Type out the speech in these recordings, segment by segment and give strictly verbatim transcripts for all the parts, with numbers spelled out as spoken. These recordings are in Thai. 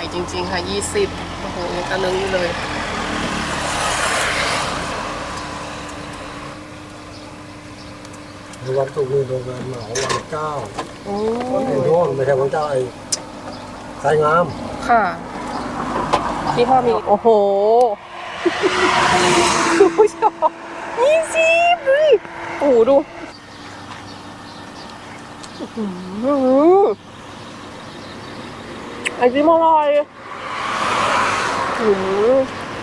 จริงๆค่ะยี่สิบโอ้โหยังกระเลิงอยู่เลยวันศุกร์นี่โรงงานเหมาวันเก้าโอ้ไอ้โน่นไม่ใช่วันเจ้าไอ้สายงามค่ะที่พ่อมีโอ้โหคุณผู้ชมยี่สิบเลยโอ้โหดูไอติมอร่อยอืม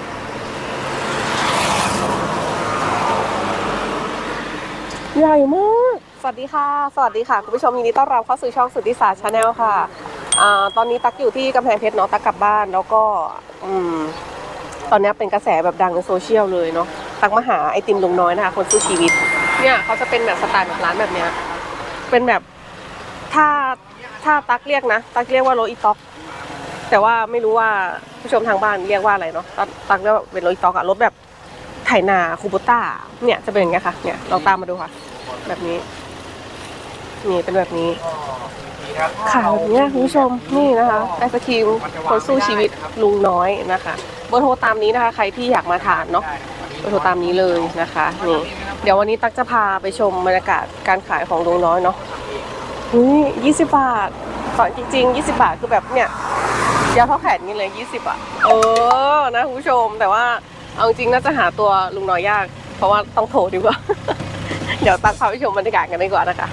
ใหญ่มากสวัสดีค่ะสวัสดีค่ะคุณผู้ชมยินดีต้อนรับเข้าสู่ช่องสุทธิศาสตร์ชาแนลค่ะอ่าตอนนี้ตักอยู่ที่กำแพงเพชรเนาะตักกลับบ้านแล้วก็อืมตอนนี้เป็นกระแสแบบดังในโซเชียลเลยเนาะตักมาหาไอติมลุงน้อยนะคะคนสู้ชีวิตเนี่ยเขาจะเป็นแบบสไตล์แบบร้านแบบเนี้ยเป็นแบบถ้าถ้าตักเรียกนะตักเรียกว่าโรอีต็อกแต่ว่าไม่รู้ว่าผู้ชมทางบ้านเรียกว่าอะไรเนาะตักตักเรียกว่าเป็นโรอีต็อกอะรถแบบไถนาคูโบต้าเนี่ยจะเป็นอย่างเงี้ยค่ะเนี่ยลองตามมาดูค่ะแบบนี้นี่เป็นแบบนี้ขายแบบนี้คุณผู้ชมนี่นะคะไอศครีมคนสู้ชีวิตลุงน้อยนะคะเบอร์โทรตามนี้นะคะใครที่อยากมาทานเนาะเบอร์โทรตามนี้เลยนะคะนี่เดี๋ยววันนี้ตักจะพาไปชมบรรยากาศการขายของลุงน้อยเนาะนี่ยี่สิบบาทตอนจริงๆยี่สิบบาทคือแบบเนี่ยยาวเท่าแขนนี่เลยยี่สิบอ่ะเออนะคุณผู้ชมแต่ว่าเอาจริงน่าจะหาตัวลุงน้อยยากเพราะว่าต้องโทรดีกว่า เดี๋ยวตักพาไปชมบรรยากาศกันดีกว่านะคะ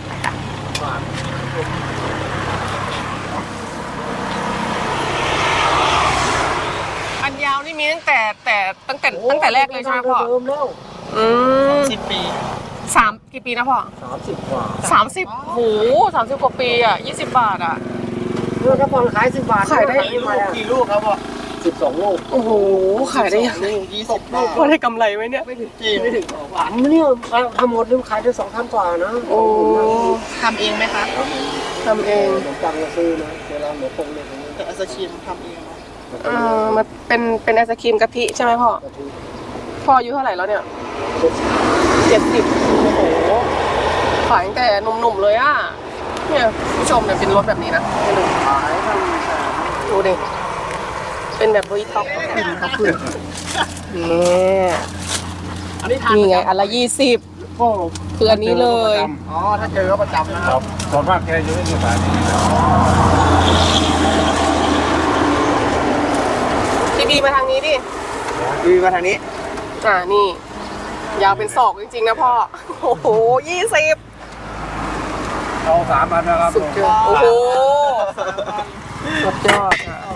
อันยาวนี่มีตั้งแต่แต่ตั้งแต่ตั้งแต่แรกเลยใช่ไหมพ่อเริ่มแล้วอืมสิบปีสามกี่ปีนะพ่อสามสิบกว่าสามสิบโหสามสิบกว่าปีอ่ะยี่สิบบาทอ่ะเมื่อถ้าพอขายสิบบาทขายได้กี่ลูกกี่ลูกครับพ่อสิบสองลูกโอ้โหขายได้ยังไงยี่สิบบาทพ่อได้กำไรไหมเนี่ยไม่ถึงจีไม่ถึงหวานเนี่ยทำหมดนี่ขายได้สองพันกว่านะโอ้ทำเองไหมคะทำเองขนมปังเราซื้อนะเวลาหมูปงเนี่ยแต่ไอศครีมทำเองเนาะอ่ามันเป็นเป็นไอศครีมกะทิใช่ไหมพ่อพ่ออายุเท่าไหร่แล้วเนี่ยเจ็ดสิบโอ้โหขายตั้งแต่หนุ่มๆเลยอ่ะเนี่ยผู้ชมเนี่ยเป็นรถแบบนี้นะให้ดูขายทำดูดิเป็นแบบบริต็อกขึ้นเขาขึ้นนี่อันนี้ทานนี่ไงอันละยี่สิบโอ้คืออันนี้เลยอ๋อถ้าเจอก็ประจำนะคครัรับบส่วนมากแกอยู่ที่สายนี้พี่บีมาทางนี้ดิดีมาทางนี้อ่านี่ ยาวเป็นศอกจริงๆนะพ่อโอ้โหยี่สิบเอาสามพันนะครับสุดยอดโอ้โหสุดยอดอ่ะ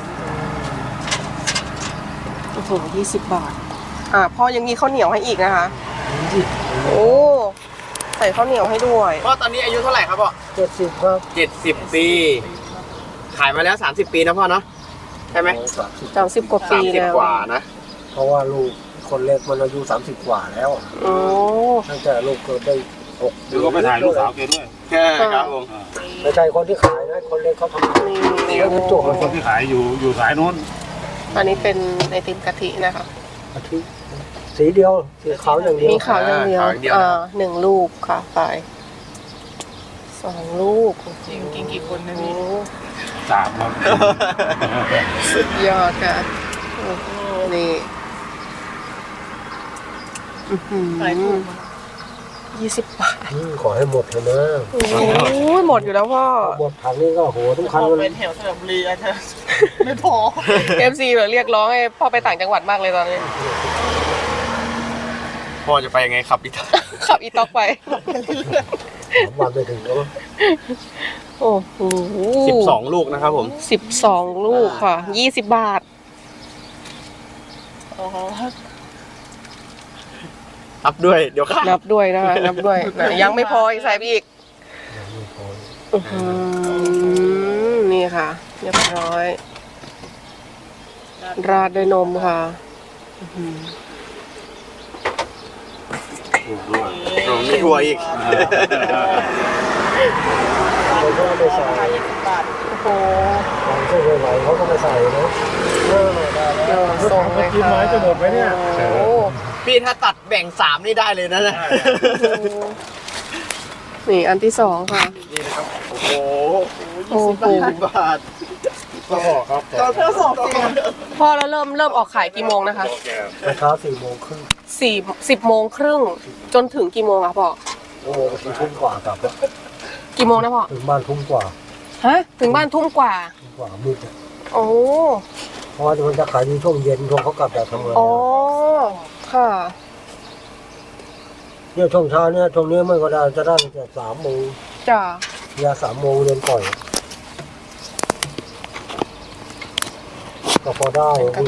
โอ้โหยี่สิบบาทอ่าพ่อยังมีข้าวเหนียวให้อีกนะคะโอ้ใส่ข้าวเหนียวให้ด้วยพ่อตอนนี้อายุเท่าไหร่ครับพ่อเจ็ดสิบครับเจ็ดสิบปี ขายมาแล้วสามสิบปีนะพ่อเนาะใช่ไหมสามสิบสามสิบกว่าสาปีมสิบแล้วกว่านะเพราะว่าลูกคนเล็กมันอายุสามสิบกว่าแล้วโอ้ตั้งแต่ลูกเกิดได้หกหรือก็ไปถ่ายลูกสาวแกด้วยใช่ครับผมไม่ใช่คนที่ขายนะคนเล็กเขาทำนี่นี่ก็จบคนคนที่ขายอยู่อยู่สายโน้นอันนี้เป็นไอติมกะทินะคะอาทิตย์สีเดียวสีขาวอย่างเดียวมีขาวอย่างเดียวอ่าหนึ่งลูกค่ะไปสองลูกจริงกินกี่คนนะโอ้พี่สามครับสุดยอดค่ะโอ้โหนี่อื้อหือยี่สิบบาทอืมขอให้หมดเถอะนะโอ้ยหมดอยู่แล้วพ่อหมดถังนี้ก็โหทุกคันพอเลเป็ยนแถวสระบุรีอาจจะไม่พอเอฟซีแบบเรียกร้องให้พ่อไปต่างจังหวัดมากเลยตอนนี้พ่อจะไปยังไงขับอีกขับอีต็อกไปวันไปถึงแล้วโอ้โหสิบสองลูกนะครับผมสิบสองลูกค่ะยี่สิบบาทนับด้วยเดี๋ยวข้านับด้วยนะคะนับด้วยนะยังไม่พออีกใส่ไปอีกอื้อหือนี่ค่ะเรียบร้อย ราดด้วยนมค่ะอื้อหือโอ้มีถั่วอีกเขาก็ไม่ใส่โอ้โหของเส้นไหวๆเขาก็ไม่ใส่นะเออได้แล้วเออส่งเลยค่ะโอ้โหพี่ถ้าตัดแบ่งสามนี่ได้เลยนะเนี่ยนี่อันที่สองค่ะนี่นะครับ โอ้โหโอ้โหยี่สิบบาทก็ครับเราเพื่อสอบจริงพ่อแล้วเริ่มเริ่มออกขายกี่โมงนะคะเช้าสี่โมงครึ่งสี่สิบโมงครึ่งจนถึงกี่โมงอะพ่อโอ้โหถึงทุ่มกว่ากลับแล้วกี่โมงนะพ่อถึงบ้านทุ่มกว่าฮะถึงบ้านทุ่มกว่าทุ่มกว่ามืดอะโอ้เพราะว่ามันจะขายในช่วงเย็นช่วงเขากลับจากทำงานอ๋อค่ะเนี่ยช่วงเช้าเนี่ยช่วงนี้ไม่ก็ได้จะได้แต่สามโมงจ้ะยาสามโมงเรียนปล่อยก็พอได้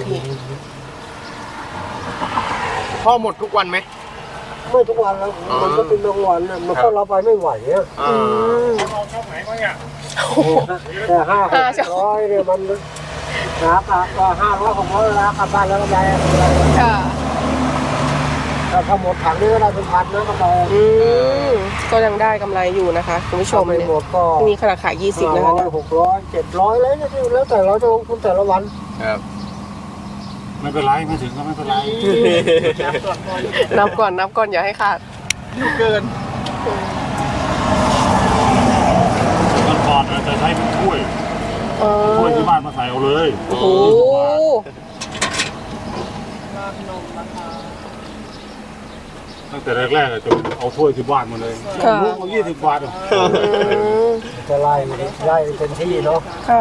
พ่อหมดทุกวันไหมไม่ทุกวันแล้วมันก็เป็นบางวันน่ะมันก็เราไปไม่ไหวอ่ะอ่าเอาช่องไหนมาเนี่ยแต่ห้าหกร้อยเนี่ยมันราคาก็ห้าร้อยหกร้อยราคาบ้านแล้วก็ได้ค่ะแต่ถ้าหมดถังนี่ก็ได้เป็นพันนะกาแฟอืมก็ยังได้กำไรอยู่นะคะคุณผู้ชมไม่เนี่ยหมดก็มีขนาดขายยี่สิบห้านะคะร้อยเนี่ยหกร้อยเจ็ดร้อยอะไรเนี่ยแล้วแต่เราจะลงทุนแต่ละวันครับไม่เป็นไรไม่ถึงก็ไม่เป็นไรนับก่อนนับก่อนอย่าให้ขาดเกินมันก่อนอาจจะใช้เป็นถ้วยเออถ้วยที่บ้านมาใส่เอาเลยโอ้โหราดนมนะคะตั้งแต่แรกๆอะจะเอาถ้วยที่บ้านมาเลยค่ะลูกเอายี่สิบบาทอะอืมจะไล่ไล่เต็มที่เนาะค่ะ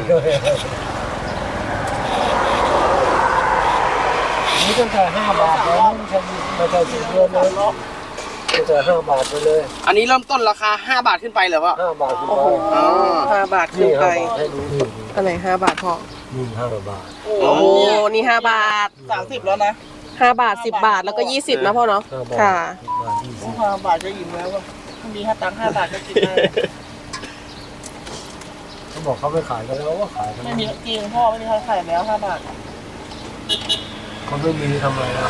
นี่ตั้งแต่ห้าบาทแล้วไม่ใช่ไม่ใช่สิบเดือนเลยเนาะตั้งแต่ห้าบาทไปเลยอันนี้เริ่มต้นราคาห้าบาทขึ้นไปเหรอพ่อห้าบาทขึ้นโอ้ไปโหห้าบาทขึ้นี่นไปห้าบาทให้ดูนี่อันไหนห้าบาทพอนี่ห้าบาทโอ้โอ้โหนี่ห้าบาทสามสิบแล้วนะห้าบาทสิบบาทแล้วก็ยี่สิบนะพ่อเนาะห้าบาทค่ะสิบบาทยี่สิบห้าบาทก็อิ่มแล้วว่ะถ้ามีห้าตังค์ห้าบาทก็กินได้เขาบอกเขาไม่ขายกันแล้วว่าขายกันไม่มีจริงพ่อไม่มีใครขายแล้วห้าบาทเขาไม่มีทำไมอ่ะ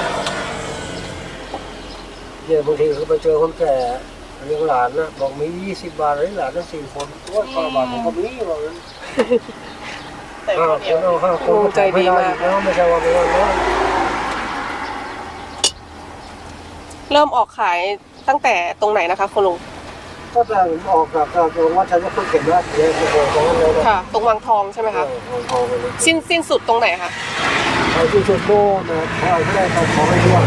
เนี่ยบางทีเขาไปเจอคนแก่เลี้ยงหลานนะบอกมียี่สิบบาทเลยหลานทั้งสี่คนว่าห้าบาทผมก็มีบอกเลยแต่ห้าคนคเดียวนเอาห้าคนก็จ่ายไม่ได้อีกแล้วไม่ใช่ว่าไม่ได้น้อยเริ่มออกขายตั้งแต่ตรงไหนนะคะคุณลุงก็แต่ออกจากจากโรงวัดชัยพฤกษ์เข็มราชเยอะโอ้โหตรงนั้นเลยนะค่ะ ตรงวังทองใช่ไหมคะเออทองไปเลยสิ้นสิ้นสุดตรงไหนคะไอ้ที่สุดโม่นะเขาเอาไม่ได้เขาขอไม่ร่วง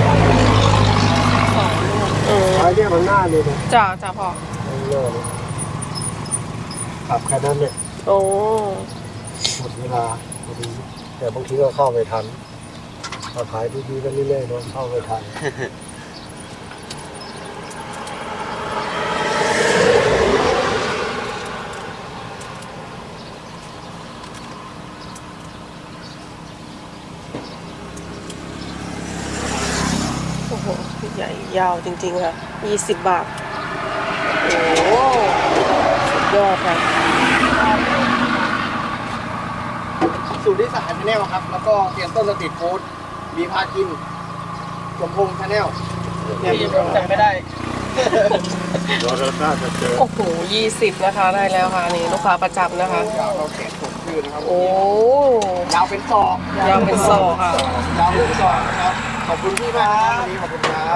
อืมไอ้เนี่ยมันหน้าเลยนะจ้าจ้าพ่อมันหน้าเลยขับแค่นั้นเนี่ยโอ้หมดเวลาพอดีแต่บางทีก็เข้าไม่ทันเราขายดีๆกันเรื่อยๆเนาะเข้าไม่ทันโอ้โหใหญ่ยาวจริงๆค่ะยี่สิบบาทโอ้โหสุดยอดค่ะสูตรที่สามชาแนลครับ แล้วก็เตรียมต้นสตรีทฟู้ดมีพากินสมพงษ์ชาแนลเนี่ยจำไม่ได้เดี๋ยวเราน่าจะเจอโอ้โหยี่สิบนะคะได้แล้วค่ะนี่ลูกค้าประจำนะคะยาวเราแขนสมชื่อนะครับโอ้ยาวเป็นศอกยาวเป็นศอกค่ะยาวเป็นศอกนะครับ ขอบคุณพี่มากนะครับวันนี้ขอบคุณครับ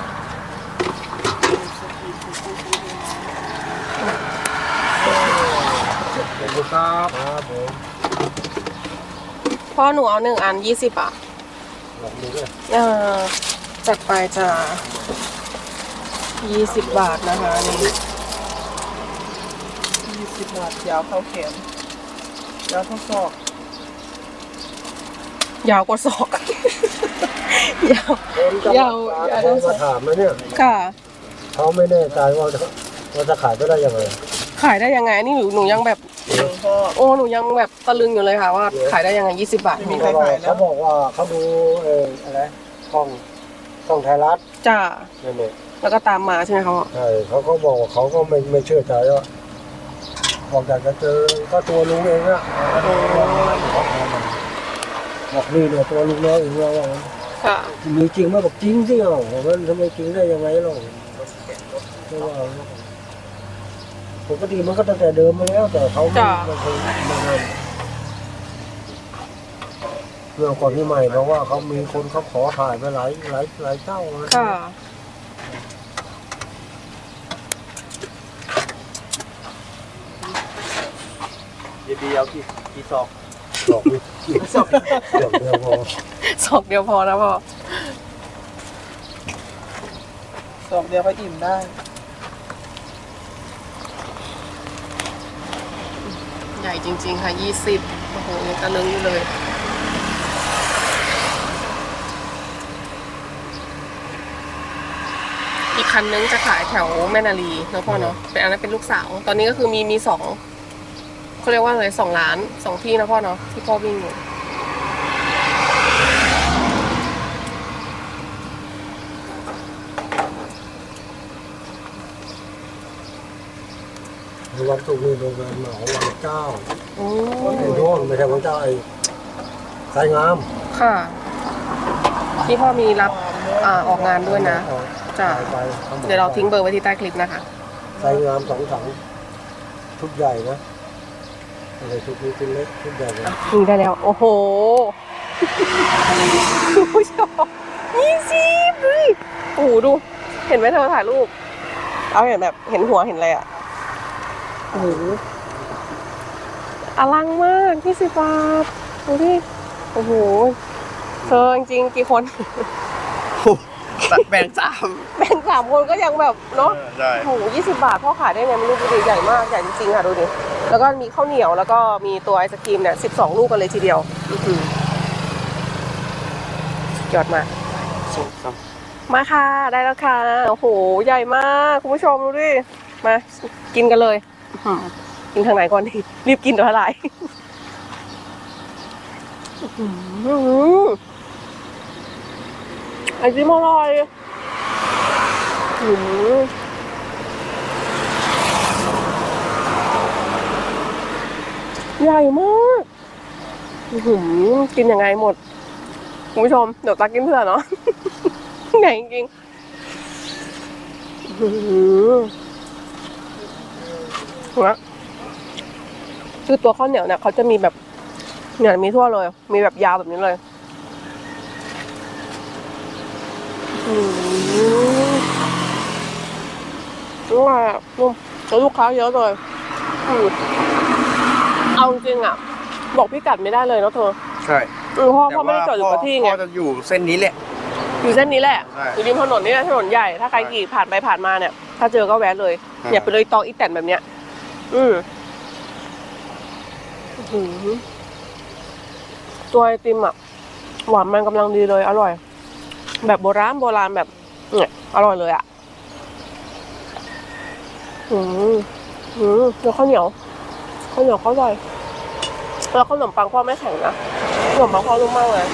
ขอบคุณครับครับผมพ่อหนูเอาหนึ่งอันยี่สิบอ่ะลองดูด้วยเออจัดไปจ้ายี่สิบบาทนะคะนี่ยี่สิบบาทยาวเข้าแขนยาวเท่าศอกยาวกว่าศอก ยาว ยาวยาวมาถามนะเนี่ยค่ะเขาไม่แน่ใจว่าจะว่าจะขายไปได้ยังไงขายได้ยังไงนี่หนูหนูยังแบบจริงพ่อโอ้หนูยังแบบตะลึงอยู่เลยค่ะว่าขายได้ยังไงยี่สิบบาทไม่มีใครขายแล้วเขาบอกว่าเขาดูเอออะไรกล้องกล้องไทยรัฐจ้านั่นเองแล้วก็ตามมาใช่ไหมคะพ่อใช่เขาก็บอกว่าเขาก็ไม่ไม่เชื่อใจว่าบอกอยากจะเจอก็ตัวลุงเองอะบอกนี่เนี่ยตัวลุงน้อยเองว่าว่างั้นค่ะมีจริงไหมบอกจริงสิเอ้ามันทำไมจริงได้ยังไงเราไม่ว่าปกติมันก็ตั้งแต่เดิมมาแล้วแต่เขาไม่ไม่เคยมาทำเรื่องก่อนที่ใหม่เพราะว่าเขามีคนเขาขอถ่ายไปหลายหลายหลายเจ้านะค่ะเยบีเอากี่กี่ซองดอกนี่ดอกเดียวพอสองเดียวพอนะพ่อสองเดียวก็อิ่มได้ใหญ่จริงๆค่ะยี่สิบโอ้โหยังกระลึงอยู่เลย อีกคันนึงจะขายแถวแม่นาลีเนาะพ่อเนาะเป็นอันนั้นเป็นลูกสาว ตอนนี้ก็คือมีมีสองเขาเรียกว่าอะไรสองล้านสองที่นะพ่อเนาะที่พ่อวิ่งอยู่วันศุกร์นี่โรงงานเหมาวันเจ้าโอ้ไอ้โน่นไม่ใช่วันเจ้าไอ้สายงามค่ะ ที่พ่อมีรับอ่าออกงานด้วยนะ จ้ะไปเดี๋ยวเราทิ้งเบอร์ไว้ที่ใต้คลิปนะคะสายงามสองถังชุดใหญ่นะอะไรชุดนี้ชุดเล็กชุดใหญ่นะนี่ได้แล้ว โอ้โหคุณผู้ชมยี่สิบเลยโอ้โหดู เห็นไหมเธอถ่ายรูป เอาเห็นแบบเห็นหัวเห็นอะไรอ่ะ โอ้โหอลังมากยี่สิบบาทดูดิโอ้โหเธอจริงๆกี่คนแบ่งสามแบ่งสามคนก็ยังแบบเนาะใช่โอ้โหยี่สิบบาทพ่อขายได้ไงไม่รู้ดูดิใหญ่มากใหญ่จริงๆค่ะดูดิแล้วก็มีข้าวเหนียวแล้วก็มีตัวไอศครีมเนี่ยสิบสองลูกกันเลยทีเดียวอื้อหือยอดมากมาค่ะได้แล้วค่ะโอ้โหใหญ่มากคุณผู้ชมดูดิมากินกันเลยอื้อหือกินทางไหนก่อนดีรีบกินเดี๋ยวละลายอื้อหือไอติมอร่อยอื้อหือใหญ่มากอื้อหือกินยังไงหมดคุณผู้ชมเดี๋ยวตากินเผื่อเนาะ ใหญ่จริงๆอื้อหือนะคือตัวข้าวเหนียวเนี่ยเขาจะมีแบบเนี่ยมีทั่วเลย มีแบบยาวแบบนี้เลยอืมอร่อยอ่ะนุ่มแล้วลูกค้าเยอะเลยอืมเอาจริงๆอ่ะ บอกพี่กัดไม่ได้เลยเนาะเธอใช่อืมเพราะพ่อไม่ได้จอดอยู่กับที่ไงพ่อจะอยู่เส้นนี้แหละอยู่เส้นนี้แหละใช่อยู่ริมถนนนี่แหละถนนใหญ่ ถ้าใครขี่ผ่านไปผ่านมาเนี่ย ถ้าเจอก็แวะเลยอ่าอย่าไปเลยตองอีแตนแบบเนี้ย อืมอื้อหือตัวไอติมอ่ะ หวานมันกำลังดีเลย อร่อย แบบโบราณโบราณแบบ เนี่ยอร่อยเลยอ่ะ อืมอืมแล้วข้าวเหนียวข้าวเหนียวเขาอร่อยแล้วขนมปังพ่อไม่แข็งนะขนมปังพ่อนุ่มมากเลย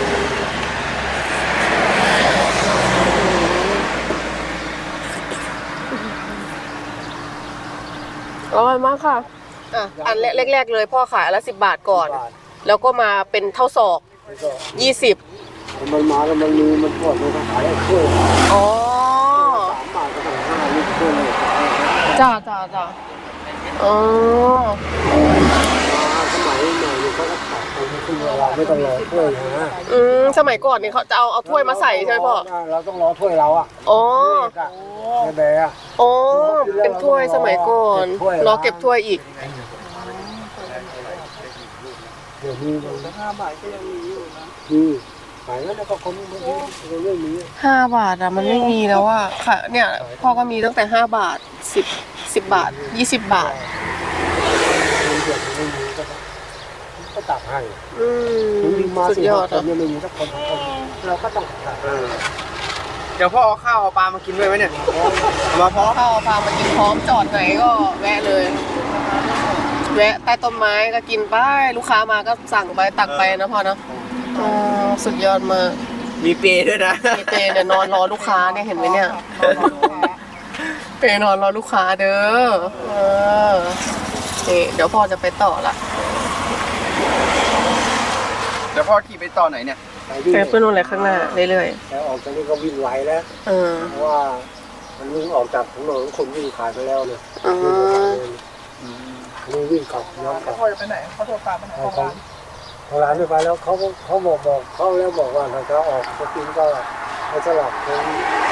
อร่อยมากค่ะอ่ะอันแรกๆเลยพ่อขายละสิบบาทก่อน แล้วก็มาเป็นเท่าศอกยี่สิบมันมาแล้วมันมีมันปวดมันก็ขายถ้วยอ๋อสามบาทก็ต้องห้านี่ถ้วยเลยจ้าจ้าจ้าอ๋อสมัยใหม่เนี่ยเขาก็ตัดไปไม่ขึ้นเวลาไม่ต้องรอถ้วยนะอืมสมัยก่อนนี่เขาจะเอาเอาถ้วยมาใส่ใช่ไหมพ่อเราต้องรอถ้วยเราอ่ะอ๋อแม่แบ่อะอ๋อ เป็นถ้วยสมัยก่อน รอเก็บถ้วยอีกเดี๋ยวนี้มันห้าบาทก็ยังมีอยู่นะมีขายแล้วก็คนมันเรื่องนี้ห้าบาทอะมันไม่มีแล้วอะค่ะ เนี่ย พ่อก็มีตั้งแต่ห้าบาทสิบสิบบาทยี่สิบบาทมันเดือดมันไม่มีก็ก็ตักให้อืมถึงมีมาสุดสี่ยอห้าดคนอะเนี่ยไม่มีสักคนเราก็ต้องตักเออเดี๋ยวพ่อเอาข้าวเอาปลามากินด้วยไหมเนี่ยเอามาพร้อมข้าวพามากินพร้อมจอดไหนก็แวะเลย แวะใต้ต้นไม้ก็กินไปลูกค้ามาก็สั่งไปตักไปนะพ่อเนาะอ๋อสุดยอดมากมีเปรย์ด้วยนะมีเปเนี่ยนอนรอลูกค้าเนี่ยเห็นไหมเนี่ยเปนอนรอลูกค้าเด้อเออนี่เดี๋ยวพ่อจะไปต่อละเดี๋ยวพ่อขี่ไปต่อไหนเนี่ยไปที่ไปเพื่อนนู่นเลยข้างหน้าเรื่อยแล้วออกจากนี้ก็วิ่งไหวแล้วๆเออเพราะว่ามันวิ่งออกจากถนนคนวิ่งขายไปแล้วเนี่ยอ๋อนี่วิ่งกลับย้อนกลับพ่อจะไปไหนเขาโทรตามไปไหนเขาของเขาร้านทางร้านไม่ไปแล้วเขาเขาบอกบอกเขาแล้วบอกว่าถ้าเขาออกจะกินก็ให้สลับเป็น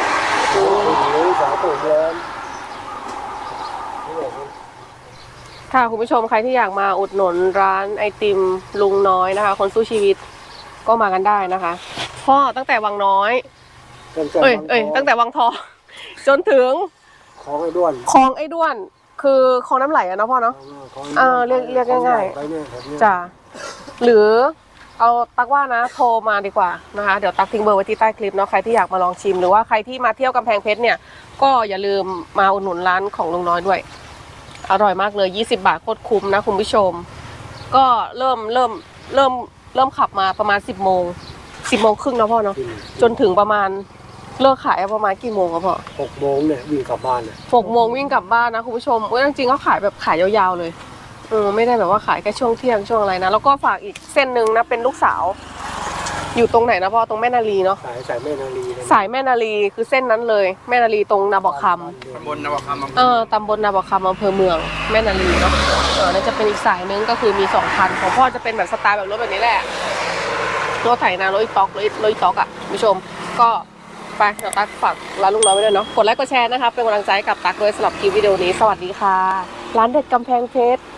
หรือสาตูร้อนทค่ะคุณผู้ชมใครที่อยากมาอุดหนุนร้านไอติมลุงน้อยนะคะ คนสู้ชีวิตก็มากันได้นะคะพ่อตั้งแต่วังน้อยตั้งแต่เอ้ยบางเอ้ยทตั้งแต่วังทอง จนถึงของไอ้ด้วนคลองไอ้ด้วน คือคลองน้ำไหลอะเนาะพ่อเนาะของเออเรียกเรียกง่ายๆไปเนี่ยแบบเนี้ยจ้ะหรือเอาตักว่านะโทรมาดีกว่านะคะเดี๋ยวตักทิ้งเบอร์ไว้ที่ใต้คลิปเนาะใครที่อยากมาลองชิมหรือว่าใครที่มาเที่ยวกำแพงเพชรเนี่ยก็อย่าลืมมาอุดหนุนร้านของลุงน้อยด้วยอร่อยมากเลยยี่สิบบาทโคตรคุ้มนะคุณผู้ชมก็เริ่มเริ่มเริ่มเริ่มขับมาประมาณสิบโมงสิบโมงครึ่งนะพ่อเนาะกินจนถึงประมาณเลิกขายประมาณกี่โมงครับพ่อหกโมงเนี่ยวิ่งกลับบ้านเนี่ยหกโมงวิ่งกลับบ้านนะคุณผู้ชมเว้ยจริงๆเขาขายแบบขายยาวๆเลยเออไม่ได้แบบว่าขายแค่ช่วงเที่ยงช่วงอะไรนะแล้วก็ฝากอีกเส้นหนึ่งนะเป็นลูกสาว อยู่ตรงไหนนะพ่อตรงแม่นาลีเนาะสายสายแม่นาลีเนี่ยสายแม่นาลีคือเส้นนั้นเลยแม่นาลีตรงนาบอกคตำบลนวคำอำำเภเอออตำบลนาบอกคำอำเภอเมืองแม่นาลีเนาะเออนั่นจะเป็นอีกสายนึงก็คือมีสองคันของพ่อจะเป็นแบบสไตล์แบบรถแบบนี้แหละรถไถนารถอีต๊อกรถรถอีต๊อกอ่ะคุณผู้ชมก็ไปเดี๋ยวตักฝากร้านลุงน้อยไว้ด้วยเนาะกดไลค์กดแชร์นะคะเป็นกำลังใจให้กับตักด้วยสำหรับคลิปวิดีโอนี้สวัสดีค่ะร้านเด็ดกำแพงเพชร